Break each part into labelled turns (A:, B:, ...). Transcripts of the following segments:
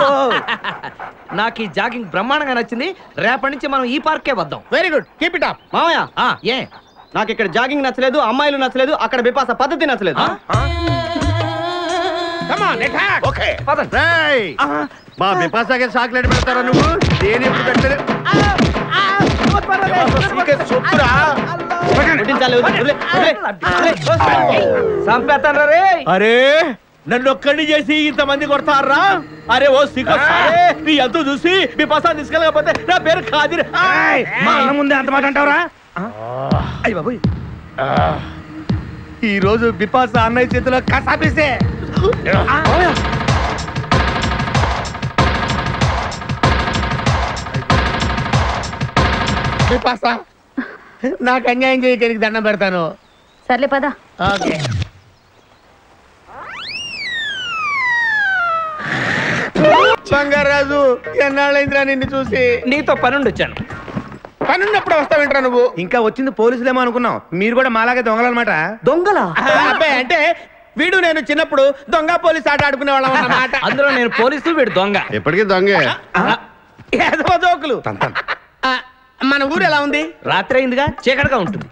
A: నాకు ఈ జాగింగ్ బ్రహ్మాండంగా నచ్చింది. రేపటి నుంచి మనం ఈ పార్కే వద్దాం.
B: Very good, keep it up.
C: మామయ్య
A: ఏ
C: నాకు ఇక్కడ జాగింగ్ నచ్చలేదు, అమ్మాయిలు నచ్చలేదు, అక్కడ బిపాస పద్ధతి నచ్చలేదు.
B: Come on attack.
D: ఓకే
A: పదండి.
D: రేయ్ మా బిపాసాకి చాక్లెట్ పెడతారా నువ్వు? దేని ఎప్పుడు పెట్టలేదు.
A: చంపేస్తాను రే.
B: అరే నన్ను ఒక్కడిని చేసి ఇంతమంది కొడతారా? అరే ఓ సిగ్గు నీ ఎంత చూసి మీ పసా తీసుకెళ్ళకపోతే నా పేరు ఖాదిర్.
D: మా అన్న ముందే అంత మాట అంటావరా?
B: అయ్య బాబోయ్,
D: ఈ రోజు బిపాసా అన్నయ్య చేతిలో కసాపిస్తే బిపాసా నాకు అన్యాయం చేయడానికి దండం పెడతాను.
E: సర్లే పద.
D: ఓకే బంగారాజు, ఎన్నాళ్ళైందిరా నిన్ను చూసి?
A: నీతో పనుండి వచ్చాను.
D: పనున్నప్పుడు వస్తావేంట్రా నువ్వు? ఇంకా వచ్చింది పోలీసులేమో అనుకున్నాం. మీరు కూడా మాలాగే దొంగలన్నమాట.
A: దొంగలా?
B: అబ్బాయి అంటే వీడు నేను చిన్నప్పుడు దొంగ పోలీస్ ఆట ఆడుకునే వాళ్ళం అన్నమాట.
A: అందులో నేను పోలీసు, వీడు దొంగ.
D: ఎప్పటికీ దొంగే.
B: ఏదో జోకులు. మన ఊరు ఎలా ఉంది?
A: రాత్రి అయిందిగా, చీకటిగా ఉంటుంది.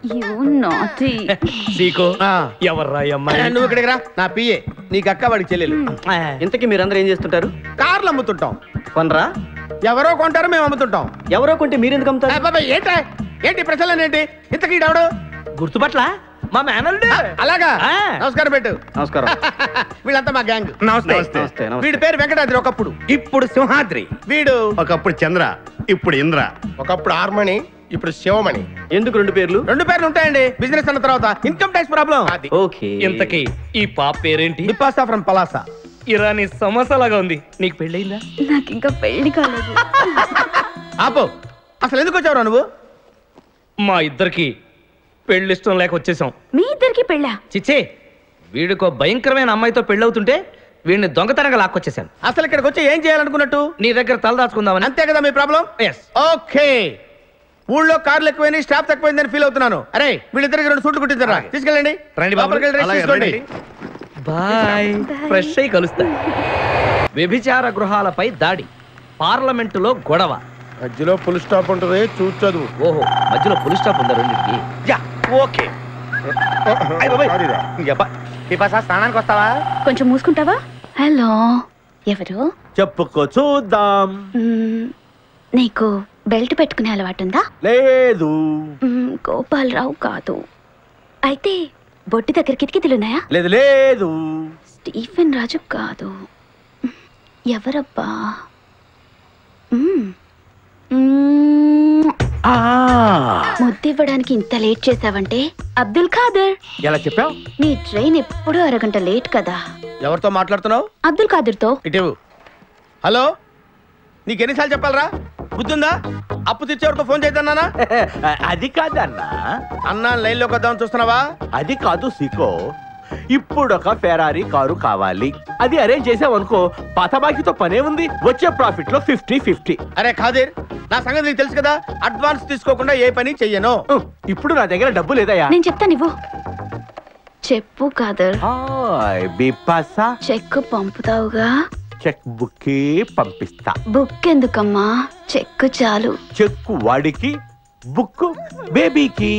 A: సీకో ఎవర్రా అమ్మాయి?
B: నువ్వు ఇక్కడికి రా, నా పిఏ. నీకు అక్క వాడికి చెల్లెలు.
C: ఇంతకీ మీరందరూ ఏం చేస్తుంటారు?
B: కార్లు అమ్ముతుంటాం.
C: కొనరా?
B: ఎవరో కొంటారో మేము అమ్ముతుంటాం.
C: ఎవరో కొంటే మీరెందుకు అమ్ముతారు?
B: బాబాయ్ ఏంటి ప్రశ్నలు ఏంటి? ఇంతకీ ఈడెవడు?
A: గుర్తుపట్ల మా మేనల్డ్.
B: అలాగా, నమస్కారం పెట్టు.
C: నమస్కారం.
B: వీళ్ళంతా మా గ్యాంగ్.
C: నమస్తే.
B: వీడి పేరు వెంకటాద్రి, ఒకప్పుడు.
D: ఇప్పుడు సింహాద్రి.
B: వీడు
D: ఒకప్పుడు చంద్ర, ఇప్పుడు ఇంద్ర.
B: ఒకప్పుడు ఆర్మణి, ఇప్పుడు శివమణి.
C: ఎందుకు రెండు పేర్లు?
B: రెండు పేర్లు ఉంటాయండి. బిజినెస్ అన్న తర్వాత ఇన్కమ్ ట్యాక్స్ ప్రాబ్లం.
C: ఓకే.
A: ఇంతకీ ఈ పాప పేరేంటి?
B: బిపాసా ఫ్రమ్ పలాసా.
A: ఇరానీ సమస్యలాగా ఉంది. నీకు పెళ్ళయిందా?
E: నాకు ఇంకా పెళ్లి కాలేదు.
B: ఆపో, అసలు ఎందుకు వచ్చావురా నువ్వు?
A: మా ఇద్దరికి పెళ్లి ఇష్టం లేక వచ్చేసాం.
E: మీ ఇద్దరికి పెళ్ళా?
A: చిచ్చే, వీడికో భయంకరమైన అమ్మాయితో పెళ్ళవుతుంటే వీడిని దొంగతనంగా లాక్కొచ్చేసాను.
B: అసలు ఇక్కడికి వచ్చి ఏం చేయాలనుకున్నట్టు?
A: నీ దగ్గర తలదాచుకుందామని.
B: అంతే కదా మీ ప్రాబ్లం? ఓకే. ఊళ్ళో కార్లు ఎక్కువైంది, స్టాఫ్ తక్కువైందని ఫీల్ అవుతున్నాను. అరే వీళ్ళిద్దరికి 2 సూట్లు కుట్టించారా? తీసుకెళ్ళండి.
D: రండి బాబు.
B: లోపలికి వెళ్ళి రెస్ట్ తీసుకోండి.
A: బాయ్. ఫ్రెష్ అయి కలుస్తా. వ్యభిచార గృహాలపై దాడి, పార్లమెంటులో గొడవ.
B: మధ్యలో ఫుల్ స్టాప్ ఉంటుంది, చూసి చదువు.
A: ఓహో, మధ్యలో పులి స్టాప్ ఉందా రెండింటికి?
D: ఓకే. బిపాసా స్నానానికి వస్తావా?
E: కొంచెం మూసుకుంటావా? హలో, ఎవరు?
B: చెప్పుకో చూద్దాం.
E: నీకు బెల్ట్ పెట్టుకునే అలవాటుందా?
B: లేదు.
E: గోపాలరావు కాదు. అయితే బొట్టి దగ్గర కిటికీలున్నాయా?
B: లేదు లేదు.
E: స్టీఫెన్ రాజు కాదు. ఎవరబ్బా? ముద్దివ్వడానికి ఇంత లేట్ చేసావంటే అబ్దుల్ ఖాదర్.
B: ఎలా చెప్పావు?
E: నీ ట్రైన్ ఎప్పుడూ అరగంట లేట్ కదా.
B: ఎవరితో మాట్లాడుతున్నావు?
E: అబ్దుల్ ఖాదర్తో.
B: ఇటు. హలో, నీకు ఎన్నిసార్లు చెప్పాలరా? బుద్ధుందా? అప్పు తెచ్చేవారితో ఫోన్ చేద్దానా?
F: అది కాదన్నా,
B: అన్నా లైన్ లోకి వద్దామని చూస్తున్నావా?
F: అది కాదు సీకో. ఇప్పుడు ఒక ఫెరారీ కారు కావాలి. అది అరేంజ్ చేసావనుకో, పాత బాకీతో పనే ఉంది. వచ్చే ప్రాఫిట్ లో 50-50.
B: అరే ఖాదీర్, నా సంగతి నీకు తెలుసు కదా. అడ్వాన్స్ తీసుకోకుండా ఏ పని చెయ్యను.
F: ఇప్పుడు నా దగ్గర డబ్బు లేదయ్యా.
E: నేను చెప్తాను, ఇవ్వు. చెప్పు ఖాదర్.
F: బిపాసా,
E: చెక్ పంపుతావుగా?
F: చెక్ బుక్ పంపిస్తా.
E: బుక్ ఎందుకమ్మా, చెక్ చాలు.
F: చెక్ వాడికి, బుక్ బేబీకి.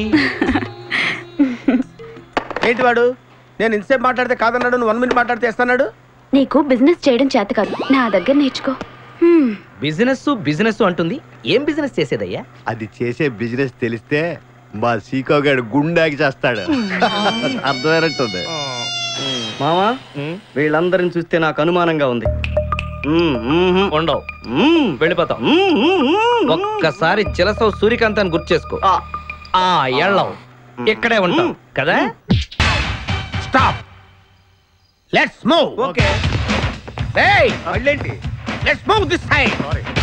B: ఏంటి వాడు? నేను ఇంతసేపు మాట్లాడితే కాదన్నాడు, నువ్వు 1 మినిట్ మాట్లాడితే ఇస్తాడు.
E: నీకు బిజినెస్ చేయడం చేత కాదు, నా దగ్గర నేర్చుకో.
A: బిజినెస్ అంటుంది. ఏం బిజినెస్ చేసేదయ్యా?
D: అది చేసే బిజినెస్ తెలిస్తే మా సీకో గారు గుండాకి చేస్తాడు. అర్థమైనట్టుంది.
C: మామా, వీళ్ళందరిని చూస్తే నాకు అనుమానంగా ఉంది.
A: ఉండవు, వెళ్ళిపోతాం. ఒక్కసారి చిలసవు సూర్యకాంతాన్ని గుర్తు చేసుకో. ఎళ్ళవు, ఇక్కడే ఉంటాం కదా.
B: Stop, let's move.
D: ఓకే.
B: ఏయ్,
D: మళ్ళేంటి?
B: Let's move this side.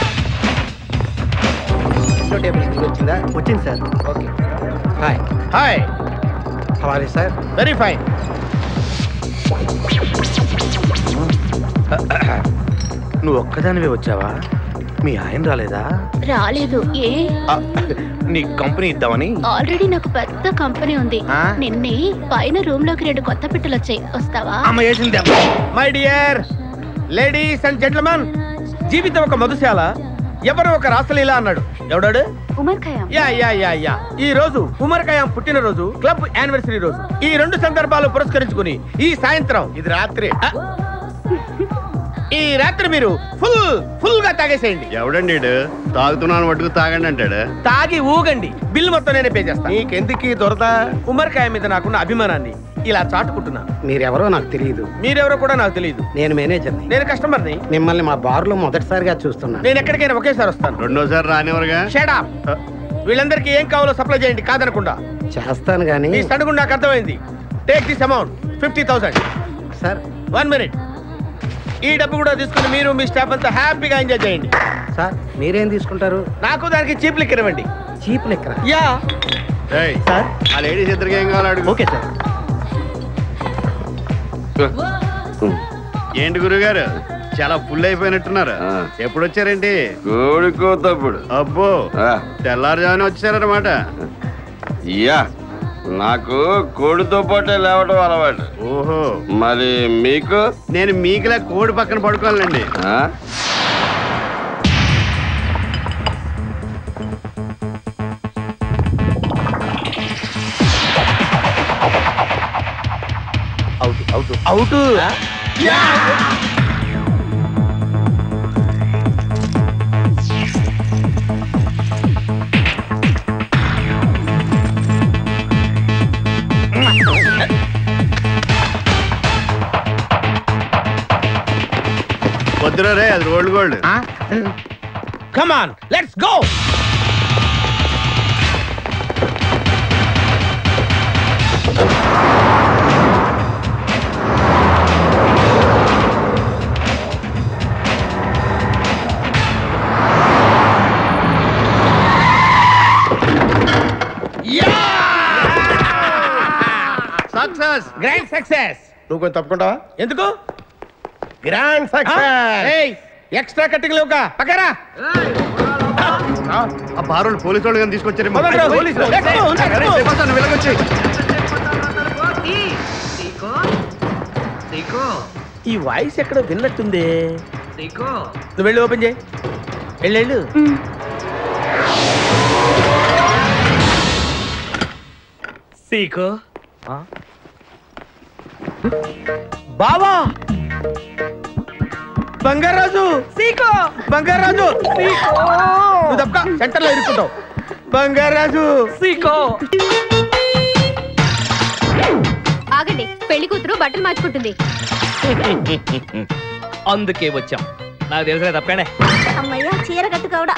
D: వచ్చిందా? వచ్చింది sir.
B: Okay. Hi hi.
D: How are you sir?
B: Very fine.
D: నువ్వు ఒక్కదానివే వచ్చావా? మీ ఆయన రాలేదా?
E: రాలేదు. ఏ?
D: నీ కంపెనీ ఇద్దామని.
E: ఆల్రెడీ నాకు పెద్ద కంపెనీ ఉంది. నిన్నే పైన రూమ్ లోకి 2 కొత్త పిట్టలు వచ్చాయి, వస్తావా?
B: My dear ladies and gentlemen, జీవితం ఒక మధుశాల, ఎవరు ఒక రాసలీలా అన్నాడు. ఎవడాడు?
E: Omar Khayyam.
B: Yeah yeah yeah yeah ఈ రోజు ఉమర్ ఖయాం పుట్టినరోజు, క్లబ్ యానివర్సరీ రోజు. ఈ రెండు సందర్భాలు పురస్కరించుకుని ఈ సాయంత్రం, ఇది రాత్రి, ఈ రాత్రి మీరు ఫుల్ గా తాగేసేయండి.
D: ఎవడండి తాగుతున్నాను మటుకు తాగండి అంటాడు.
B: తాగి ఊగండి, బిల్ మొత్తం నేనే పే చేస్తాను. నీకెందుకు దొరద? ఉమర్ ఖయాం మీద నాకున్న అభిమానాన్ని ఇలా చాటుకుంటున్నాను.
G: మీరెవరో నాకు తెలియదు.
B: మీరెవరో కూడా నాకు తెలియదు.
G: నేను మేనేజర్ని.
B: నేను కస్టమర్ని.
G: మిమ్మల్ని మా బార్లో మొదటిసారిగా చూస్తున్నాను.
B: నేను ఎక్కడికైనా ఒకేసారి వస్తాను.
D: రెండోసారి రానివరుగా.
B: Shut up. వీళ్ళందరికీ ఏం కావాలో సప్లై చేయండి, కాదనకుండా.
G: చేస్తాను కానీ
B: ఈ సడుగు నాకు అర్థమైంది. Take this amount 50,000.
G: Sir
B: 1 minute. ఈ డబ్బు కూడా తీసుకుని మీరు మీ స్టాఫ్ అంతా హ్యాపీగా ఎంజాయ్ చేయండి.
G: సార్ మీరేం తీసుకుంటారు?
B: నాకు దానికి చీప్ లిక్కర్ ఇవ్వండి.
G: చీప్ లెక్కరా?
B: యా
D: సార్ ఆ లేడీస్ ఇద్దరికి ఏం కావాలి అడుగు.
G: Okay sir.
D: ఏంటి గురుగారు చాలా ఫుల్ అయిపోయినట్టున్నారు. ఎప్పుడు వచ్చారేంటి?
H: కోడికోతప్పుడు.
D: అబ్బో తెల్లారుజామున వచ్చారన్నమాట.
H: యా నాకు కోడితో పాటే లేవడం అలవాటు.
D: ఓహో
H: మరి మీకు?
D: నేను మీకులా కోడి పక్కన పడుకోవాలండి.
B: అవుట్.
D: వద్దురా రే, అది rolled gold.
B: Come on let's go.
D: Success,
B: grand success.
C: నువ్వు కొంచెం తప్పుకుంటావా?
B: ఎందుకు?
C: Grand success.
B: ఎక్స్ట్రా కట్టింగ్ లేవుగా పక్కరా.
D: ఆ బారోళ్ళు పోలీసు వాళ్ళు కానీ తీసుకొచ్చారు.
B: మొదలు పోలీసులు.
D: వెళ్ళగొచ్చి
B: ఈ వాయిస్ ఎక్కడో విన్నట్టుంది. నువ్వు వెళ్ళి ఓపెన్ చేయి. వెళ్ళు. సీకో బావా, బంగారాజు. సీకో బంగారాజు. నువ్వు తప్ప సెంటర్ లో ఇరుక్కుంటావు. బంగారాజు. సీకో.
E: ఆగండి, పెళ్లి కూతురు బట్టలు మార్చుకుంటుంది.
A: అందుకే వచ్చాం. నాకు తెలిసిన తప్పనే.
E: అమ్మయ్య, చీర కట్టుకోవడా?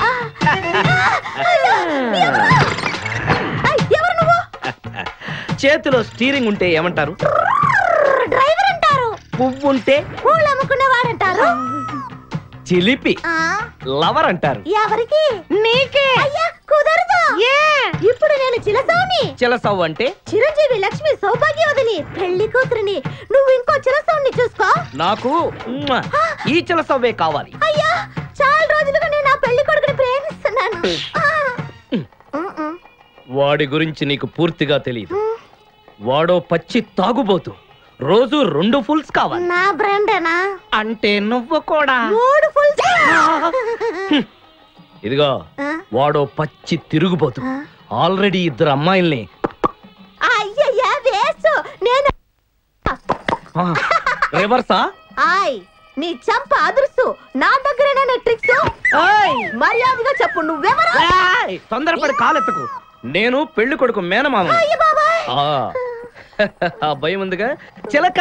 E: ఎవరు నువ్వు?
A: చేతిలో స్టీరింగ్ ఉంటే ఏమంటారు?
E: డ్రైవర్ అంటారు.
A: పువ్వు ఉంటే
E: పూలు అమ్ముకునేవాడంటారు.
A: చిలిపి లవర్ అంటారు.
E: ఎవరికి? నీకే. అయ్యా కుదరదు. ఇప్పుడు నేను చిలసౌని.
A: చిలసవ్వు అంటే
E: చిరంజీవి లక్ష్మి సౌభాగ్యవతిని, పెళ్లి కూతురిని. నువ్వు ఇంకో చిలసౌని చూసుకో.
A: నాకు ఈ చిలసవ్వే కావాలి.
E: అయ్యా చాలా రోజులుగా నేను ఆ పెళ్లి కొడుకుని ప్రేమిస్తున్నాను.
A: వాడి గురించి నీకు పూర్తిగా తెలియదు. వాడో పచ్చి తాగుబోతు. రోజు 2 ఫుల్స్ కావాలి.
E: నా బ్రాండేనా?
A: అంటే నువ్వు కూడా
E: 3 ఫుల్స్.
A: ఇదిగో వాడో పచ్చి తిరుగుబోతు. ఆల్రెడీ 2 అమ్మాయిల్ని.
E: అయ్యయ్యా వేస్ట్. నేను
A: రివర్సా?
E: ఆయ్ నీ చంప అదుర్సు. నా దగ్గరేనా ట్రిక్స్? మర్యాదగా చెప్పు, నువ్వెవరు?
A: తొందరపడి కాలెత్తకు. నేను పెళ్లి కొడుకు మేనమామ. ఆ భయం ఉందిగా చిలక.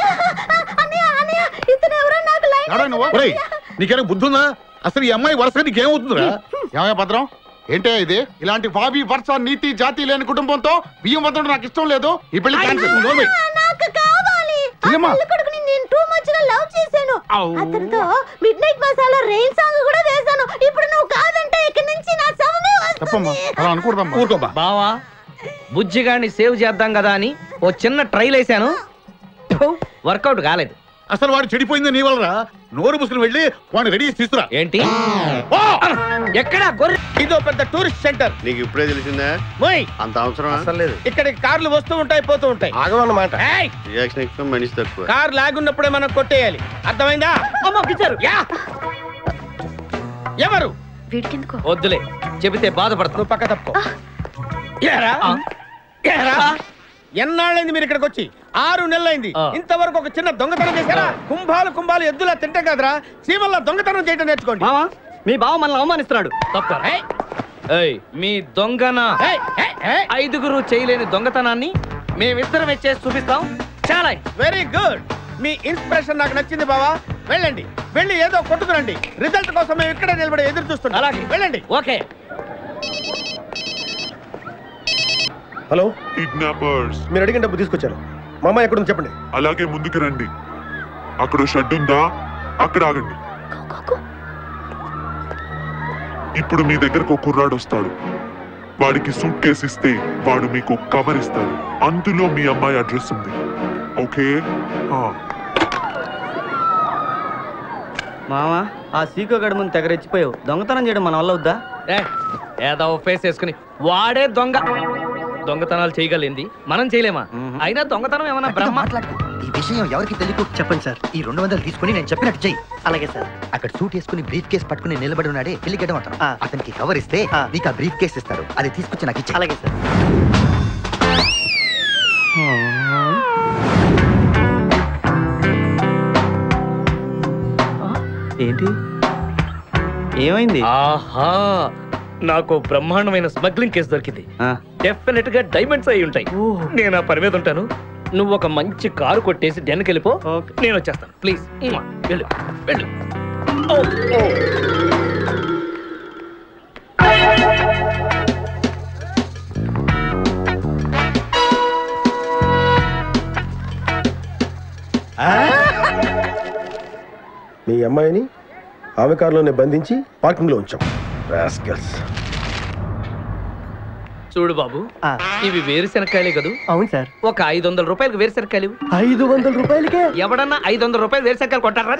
I: నీకేనా బుద్ధుందా? అసలు ఈ అమ్మాయి వరుసగా నీకేమవుతుందిరా? ఏమయ్య భద్రం, ఏంటే ఇది? ఇలాంటి బాబీ వరుస నీతి జాతి లేని కుటుంబంతో బియ్యం వద్ద నాకు ఇష్టం లేదు. ఈ పెళ్లి క్యాన్సిల్.
E: నాకు కావాలి. పెళ్లి కొడుకుని నేను టూ మచ్ గా లవ్ చేశాను. అతనితో midnight masala rain song కూడా వేశాను. ఇప్పుడు నువ్వు కాదంటే ఇక్కడి నుంచి నా శవమే వస్తుంది.
I: అలా అనుకూడదమ్మా. ఊరుకోబా.
A: బావా, బుజ్జిగాన్ని సేవ్ చేద్దాం కదా అని ఓ చిన్న ట్రైల్ వేసాను. వర్కౌట్ కాలేదు.
I: అసలు వాడు చెడిపోయింది నీ వల్లరా. నోరు ముసుకుని వెళ్ళి వాడిని రెడీ చేసి తీసుకురా.
A: ఏంటి? ఎక్కడ?
B: ఇదో పెద్ద టూరిస్ట్ సెంటర్.
D: నీకు ఇప్పుడే తెలిసిందా? అంత అవసరం
C: అసలు లేదు.
B: ఇక్కడికి కార్లు వస్తూ ఉంటాయి, పోతూ ఉంటాయి.
C: ఆగమన్నమాట.
D: రియాక్షన్ ఎక్కువ, మనిషి తక్కువ.
B: కార్ లాగున్నప్పుడే మనం కొట్టేయాలి. అర్థమైందా? ఎవరు?
J: వీడికెందుకు?
A: వద్దులే, చెబితే బాధపడతావు.
B: నువ్వు పక్క తప్పుకో. ఏరా ఏరా ఎన్నాళ్ళైంది మీరు ఇక్కడికి వచ్చి? 6 నెలలైంది. ఇంతవరకు ఒక చిన్న దొంగతనం చేశారా? కుంభాలు ఎద్దులా తింటాం కదరా, సీమల్లా దొంగతనం చేయడం నేర్చుకోండి.
C: మావా మీ బావ మనల్ని అవమానిస్తున్నాడు.
A: తప్ప మీ దొంగన 5గురు చేయలేని దొంగతనాన్ని మేమిద్దరం చేసి చూపిస్తాం. చాలా
B: వెరీ గుడ్. మీ ఇన్స్పిరేషన్ నాకు నచ్చింది బావా. వెళ్ళండి, వెళ్ళి ఏదో కొట్టుకురండి. రిజల్ట్ కోసం మేము ఇక్కడే నిలబడి ఎదురు చూస్తున్నాం.
A: అలాగే,
B: వెళ్ళండి.
A: ఓకే.
K: Hello,
L: kidnappers.
K: మీరు అడిగిన డబ్బు తీసుకొచ్చారు. మా అమ్మాయి ఎక్కడుంది చెప్పండి.
L: అలాగే ముందుకు రండి. అక్కడ షెడ్ ఉందా? అక్కడ ఆగండి. ఇప్పుడు మీ దగ్గరకు ఒక కుర్రాడు వస్తాడు. వాడికి సూట్ కేసు ఇస్తే వాడు మీకు కవర్ ఇస్తాడు. అందులో మీ అమ్మాయి అడ్రస్ ఉంది. ఓకే?
C: మావా ఆ సీకో గడి ముందు తెగ రెచ్చిపోయావు. దొంగతనం చేయడం మన వల్ల అవుద్దా?
A: ఏదో ఫేస్ వేసుకుని వాడే దొంగతనాలు చేయగలిగింది, మనం చేయలేమా? అయినా దొంగతనం ఏమన్నా బ్రహ్మ?
M: ఈ విషయం ఎవరికి తెలియకు చెప్పండి సార్. ఈ 200 తీసుకుని నేను చెప్పినట్టు చెయ్యి.
C: అలాగే సార్.
M: అక్కడ సూట్ వేసుకుని బ్రీఫ్ కేసు పట్టుకుని నిలబడి ఉన్నాడే పెళ్లిగడ్డం అతను. అతనికి కవర్ ఇస్తే నీకు ఆ బ్రీఫ్ కేసు ఇస్తారు. అది తీసుకొచ్చి నాకు ఇచ్చి.
C: అలాగే సార్. ఏంటి ఏమైంది?
A: ఆహా, నాకు బ్రహ్మాండమైన స్మగ్లింగ్ కేసు దొరికింది. డెఫినెట్ గా డైమండ్స్ అయి ఉంటాయి. నేను ఆ పని మీద ఉంటాను. నువ్వు ఒక మంచి కారు కొట్టేసి డెన్కి వెళ్ళిపో, నేను వచ్చేస్తాను. ప్లీజ్ వెళ్ళు వెళ్ళు.
K: మీ అమ్మాయిని ఆమె కారులోనే బంధించి పార్కింగ్ లో ఉంచాం. రాస్కల్స్.
A: చూడు బాబు, ఇవి వేరుశెనక్కాయలే కదూ?
C: అవును సార్.
A: ఒక 500 రూపాయలకు వేరుశెనక్కాయలు.
C: 500 రూపాయలకే?
A: ఎవడన్నా 500 రూపాయలు వేరుశెనక్కాయలు కొంటారా?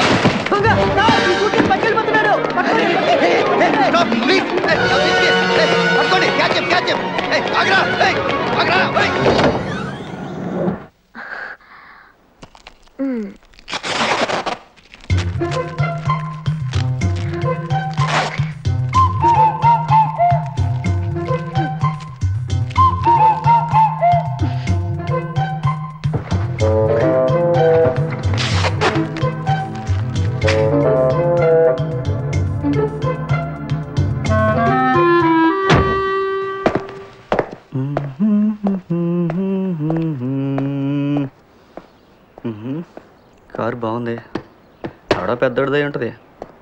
C: కారు బాగుంది. ఆడ పెద్దోడిదై ఉంటుంది.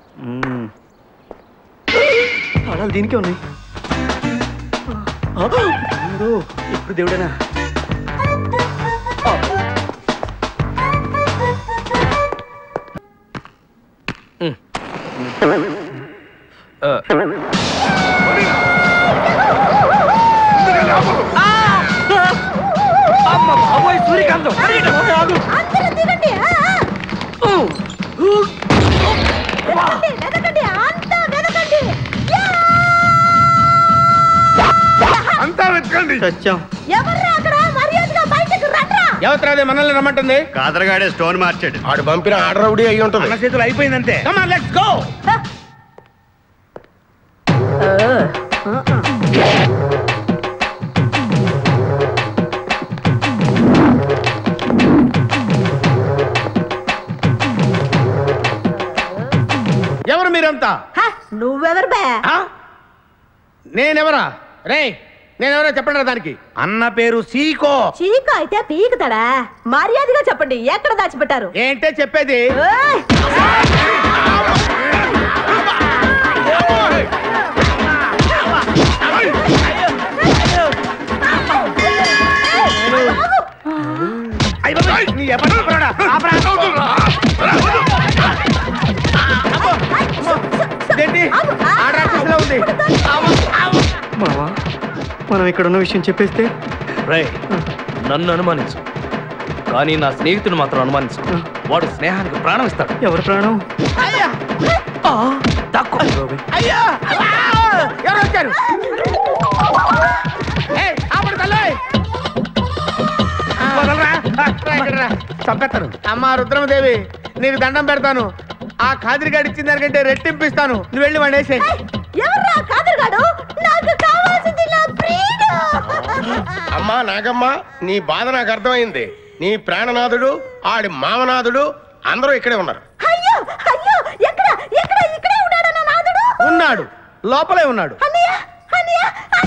C: ఆడాలి దీనికే ఉన్నాయి. ఇప్పుడు దేవుడేనా?
A: సూర్యకాంతం
L: అంతా వెతకండి.
B: ఎవరు మనల్ని రమ్మంటుంది?
D: కాదరగాడే స్టోన్ మార్చాడు.
K: ఆడు పంపిన ఆర్డర్ రౌడీ అయ్యి ఉంటుంది.
B: మన చేతులు అయిపోయిందంటే. Come on, let's go. ఎవరు మీరంతా?
E: నువ్వెవరు బే?
B: నేనెవరా? రే, నేనెవరో చెప్పండి దానికి. అన్న పేరు సీకో.
E: చీకో అయితే పీకుతాడా? మర్యాదగా చెప్పండి, ఎక్కడ దాచిపెట్టారు?
B: ఏంటే చెప్పేది?
C: మావా మనం ఇక్కడ ఉన్న విషయం చెప్పేస్తే?
A: రే, నన్ను అనుమానించు, కానీ నా స్నేహితుడు మాత్రం అనుమానించు. వాడు స్నేహానికి ప్రాణం ఇస్తాడు.
C: ఎవరు ప్రాణం?
B: ఎవరు వచ్చారు? చంపేస్తాను. అమ్మా రుద్రమదేవి, నీకు దండం పెడతాను. ఆ కాదిరిగాడు ఇచ్చిన దానికంటే రెట్టింపిస్తాను. నువ్వు వెళ్ళి వాడిని వేసేయ్.
E: ఎవర్రా కాదిరిగాడు? నాకు కావాల్సింది నా ప్రియుడు.
I: అమ్మా నాగమ్మ, నీ బాధ నాకు అర్థమైంది. నీ ప్రాణనాథుడు, ఆడి మామనాథుడు అందరూ ఇక్కడే ఉన్నారు.
E: అయ్యో అయ్యో, ఎక్కడ ఎక్కడ ఇక్కడే ఉన్నాడు నా నాథుడు?
B: ఉన్నాడు, లోపలే ఉన్నాడు.
E: అన్నయ్య అన్నయ్య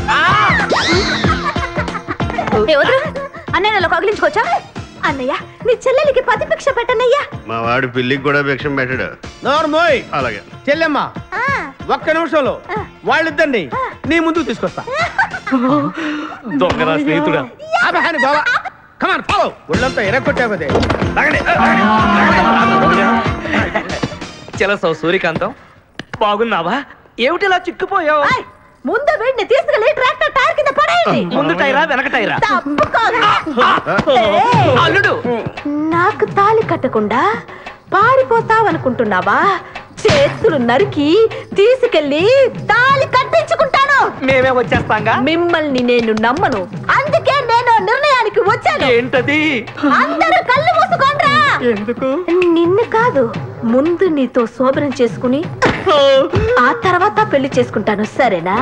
E: అన్నయ్య నన్ను కగిలించుకోవచ్చా? అన్నయ్య నీ చెల్లెలికి పతి భిక్ష పెట్టనయ్యా.
D: మా వాడు పిల్లికి కూడా భిక్షం పెట్టాడు.
B: నోర్మోయ్.
D: అలాగే
B: చెల్లెమ్మ, ఒక్క నిమిషంలో వాళ్ళిద్దరిని నీ ముందుకు తీసుకొస్తా.
A: దొంగరా స్నేహితుడా.
B: బాబా కమాన్ ఫాలో. ఒళ్ళంతా ఎరగొట్టావదే.
A: చలసో సూర్యకాంతం, బాగున్నావా? ఏమిటిలా చిక్కుపోయావు?
E: ముందు వీడిని తీసుకెళ్ళి ట్రాక్టర్ టైర్ కింద పడేయండి.
A: ముందు టైరా వెనక టైరా?
E: అల్లుడు, నాకు తాళి కట్టకుండా పారిపోతావనుకుంటున్నావా? చేతులు నరికి తీసుకెళ్ళి తాళి కట్టించుకుంటాను.
A: మేమే వచ్చేస్తాంగా.
E: మిమ్మల్ని నేను నమ్మను, అందుకే నేను నిర్ణయానికి వచ్చాను.
A: ఏంటది?
E: అందరూ కళ్ళు మూసుకోండ్రా.
A: ఎందుకు?
E: నిన్ను కాదు, ముందు నీతో శోభనం చేసుకుని ఆ తర్వాత పెళ్లి చేసుకుంటాను, సరేనా?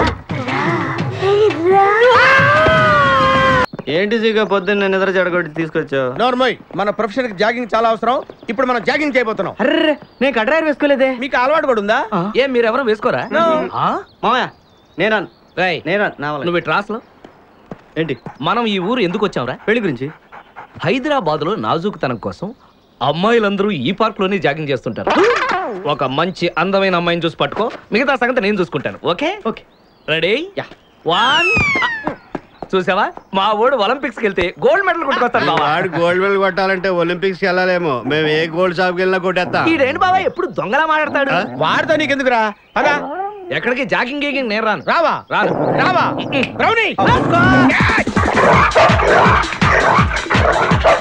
C: ఏంటి సీగా పొద్దున్న నిద్ర చెడగొట్టి తీసుకొచ్చావు?
B: నోర్మోయ్, మన ప్రొఫెషన్ కి జాగింగ్ చాలా అవసరం. ఇప్పుడు మనం జాగింగ్ చేయబోతున్నాం.
C: అర్రే, నేను కడ్రాయర్ వేసుకోలేదే.
B: మీకు అలవాటు కూడా ఉందా?
A: ఏం మీరెవరూ వేసుకోరా?
C: మామయ్య నేరాను.
A: నువ్వు ట్రాస్లో
C: ఏంటి?
A: మనం ఈ ఊరు ఎందుకు వచ్చాంరా?
C: పెళ్లి గురించి.
A: హైదరాబాద్ లో నాజూకుతనం కోసం అమ్మాయిలందరూ ఈ పార్క్ లోనే జాగింగ్ చేస్తుంటారు. ఒక మంచి అందమైన అమ్మాయిని చూసి పట్టుకో, మిగతా సంగతి నేను చూసుకుంటాను. Okay
C: okay,
A: ready? 1 చూసావా, మా వాడు ఒలింపిక్స్ వెళ్తే గోల్డ్ మెడల్ కొట్టుకొస్తాడు.
D: వాడు గోల్డ్ మెడల్ కొట్టాలంటే ఒలింపిక్స్ వెళ్ళాలేమో. మేము ఏ గోల్డ్ షాప్కి వెళ్ళినా కొట్టేస్తాం.
A: ఈడేంటి బాబా ఎప్పుడు దొంగలా మాట్లాడతాడు?
B: వాడితో నీకెందుకురా? అదా
A: ఎక్కడికి జాగింగ్ గీగింగ్ నేను రాను.
B: రావా
A: రాను.
B: రావా రౌడీ.